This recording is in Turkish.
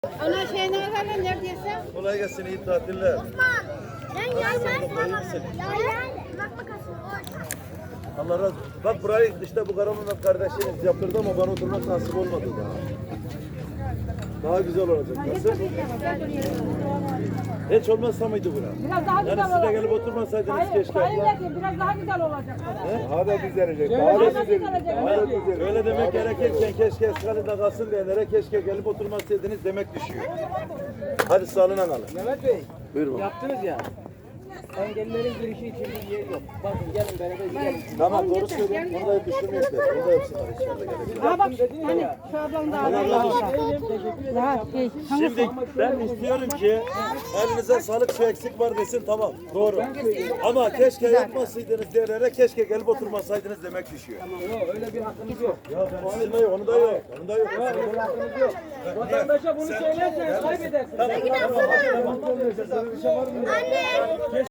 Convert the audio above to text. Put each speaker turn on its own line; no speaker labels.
Ana şey ne kadar neredeyse?
Kolay gelsin, iyi tatiller.
Osman, ben yaylan bakma kasım.
Allah razı olsun. Bak burayı işte bu Karamanlı kardeşiniz yaptırdı ama bana oturmak nasip olmadı daha. Daha güzel olacak. Nasıl? Hiç olmazsa mıydı bura?
Biraz daha güzel
Yani siz de
olacak.
gelip oturmasaydınız
Hayır,
keşke.
hayır, biraz daha güzel olacak.
Daha da düzelecek.
Daha da güzel.
Öyle demek gerekirken keşke Eskali'de kalsın diyenlere keşke gelip oturmasaydınız demek düşüyor. Hadi sağlığına kalın.
Mehmet Bey,
Buyurun.
yaptınız ya. Engellilerin girişi için bir yer yok. Bakın gelin beraber gidelim.
Tamam doğru söylüyorsun. Bunu da düşünmüyoruz. Bunu da yapsınlar inşallah. gelecek.
Ha bak, hani şu ablam daha
Allah razı olsun.
daha
Şimdi ben istiyorum ki elinize sağlık şu eksik var desin tamam doğru. Ama keşke yapmasaydınız diyenlere keşke gelip oturmasaydınız demek düşüyor.
Yok öyle bir hakkınız yok.
Ya ben sizin de yok, onu da yok. Onu da yok.
Öyle bir hakkınız yok. Vatandaşa bunu söylerseniz kaybedersiniz.
Anne.